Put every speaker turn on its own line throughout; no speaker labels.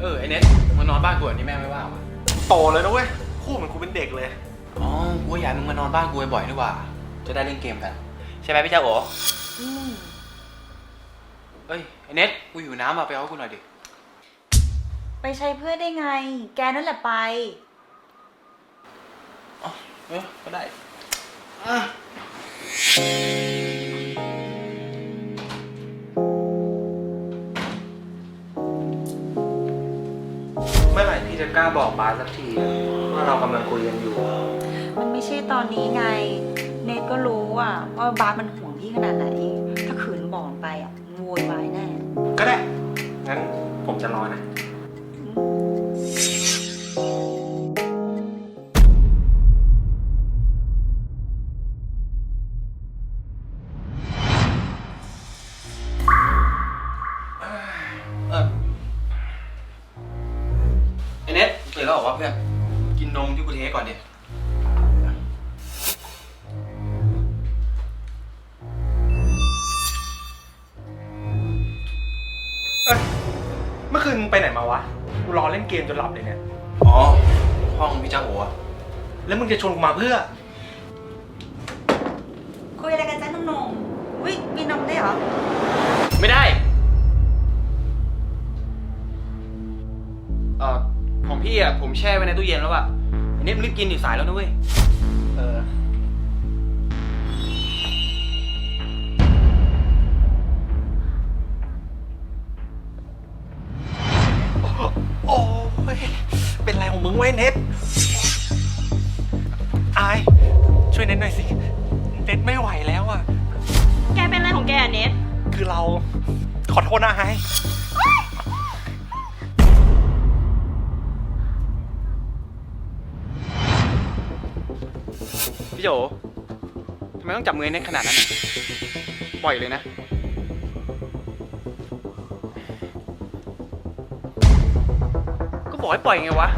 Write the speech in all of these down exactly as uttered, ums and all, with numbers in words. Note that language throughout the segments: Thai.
เออไอเน็ตมานอนบ้านกูแบบนี้แม่ไม่ว่าวะ
โตเลยนะเว้ยคู่เหมือนกูเป็นเด็กเลย
อ๋อกูอยากมึงมานอนบ้านกูบ่อยๆดีกว่าจะได้เล่นเกมกันใช่ไหมพี่เจ้าโอ๋อืมเอ้ยไอเน็ตกูอยู่น้ำมาไปเอากูหน่อยดิ
ไปใช้เพื่อนได้ไงแกนั่นแหละไป
อ๋อเออก็ได้อ่ะ
เมื่อไหร่พี่จะกล้าบอกบาสสักทีว่าเรากำลังคุยกันอยู่
มันไม่ใช่ตอนนี้ไงเนทก็รู้อะว่าบาสมันห่วงพี่ขนาดไหนถ้าขืนบอกไปอะโวยวายแน่
ก็ได้งั้นผมจะรอนะ
เออไอเน็ตตื่นแล้วเหรอวะเพื่อนกินนมที่กูเทก่อนดิ
เอ้ยเมื่อคืนไปไหนมาวะกูรอเล่นเกมจนหลับเลยเนี่ย
อ๋อห้องพี่เจ้าโอ๋
แล้วมึงจะชวนกูมาเพื่อ
คุยอะไรกันจ้าน้องนมวิมีนมได้เหรอ
ไม่ได้เอ่อของพี่อ่ะผมแช่ไว้ในตู้เย็นแล้วอ่ะอันนี้มันรีบกินดิสายแล้วนะเว้ย
เออโอ้ยเป็นไรของมึงไว้เน็ตอายช่วยเน็ตหน่อยสิเน็ตไม่ไหวแล้วอ่ะ
แกเป็นอะไรของแกเน็ต
คือเราขอโทษนะไฮ
พี่โจทำไมต้องจับมือเน็ตขนาดนั้นปล่อยเลยนะก็บอกให้ปล่อยไงวะ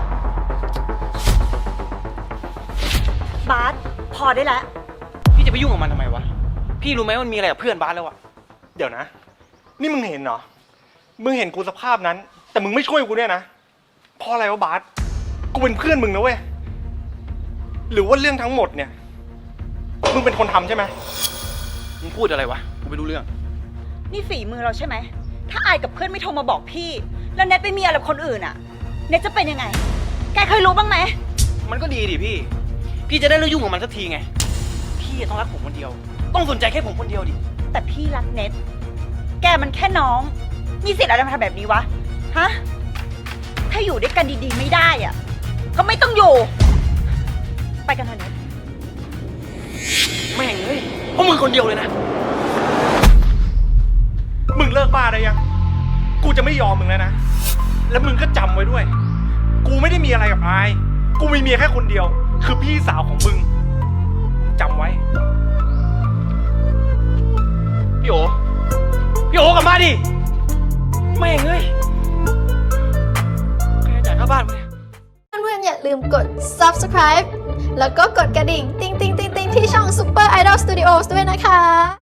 บาสพอได้แล้ว
พี่จะไปยุ่งกับมันทำไมวะพี่รู้ไหมมันมีอะไรกับเพื่อนบาสแล้วอะ
เดี๋ยวนะนี่มึงเห็นเหรอมึงเห็นกูสภาพนั้นแต่มึงไม่ช่วยกูเนี่ยนะเพราะอะไรวะบาสกูเป็นเพื่อนมึงนะเว้ยหรือว่าเรื่องทั้งหมดเนี่ยมึงเป็นคนทำใช่ไหม
มึงพูดอะไรวะกูไม่รู้เรื่อง
นี่ฝีมือเราใช่ไหมถ้าอายกับเพื่อนไม่โทรมาบอกพี่แล้วเน็ตไปมีอะไรกับคนอื่นอะเน็ตจะเป็นยังไงแกเคยรู้บ้างไหม
มันก็ดีดิพี่พี่จะได้เลิกยุ่งกับมันสักทีไงพี่ต้องรักผมคนเดียวต้องสนใจแค่ผมคนเดียวดิ
แต่พี่รักเน็ตแกมันแค่น้องมีสิทธิ์อะไรมาทำแบบนี้วะฮะถ้าอยู่ด้วยกันดีๆไม่ได้อะก็ไม่ต้องอยู่ไปกันเถอะเน็ต
แม่งเฮ้ยเพราะมึงคนเดียวเลยนะ
มึงเลิกบ้าได้ยังกูจะไม่ยอมมึงแล้วนะแล้วมึงก็จำไว้ด้วยกูไม่ได้มีอะไรกับอายกูมีเมียแค่คนเดียวคือพี่สาวของมึงจำไว้
พี่โอพี่โอกลับมาดิแม่งเอ้ยใครจ่ายค่าบ้านมึงเนี่ย
เพื่อนๆอย่าลืมกด ซับสไครบ์ แล้วก็กดกระดิ่ง ติ๊งติ๊งติ๊งติ๊งที่ช่อง Super Idol Studios ด้วยนะคะ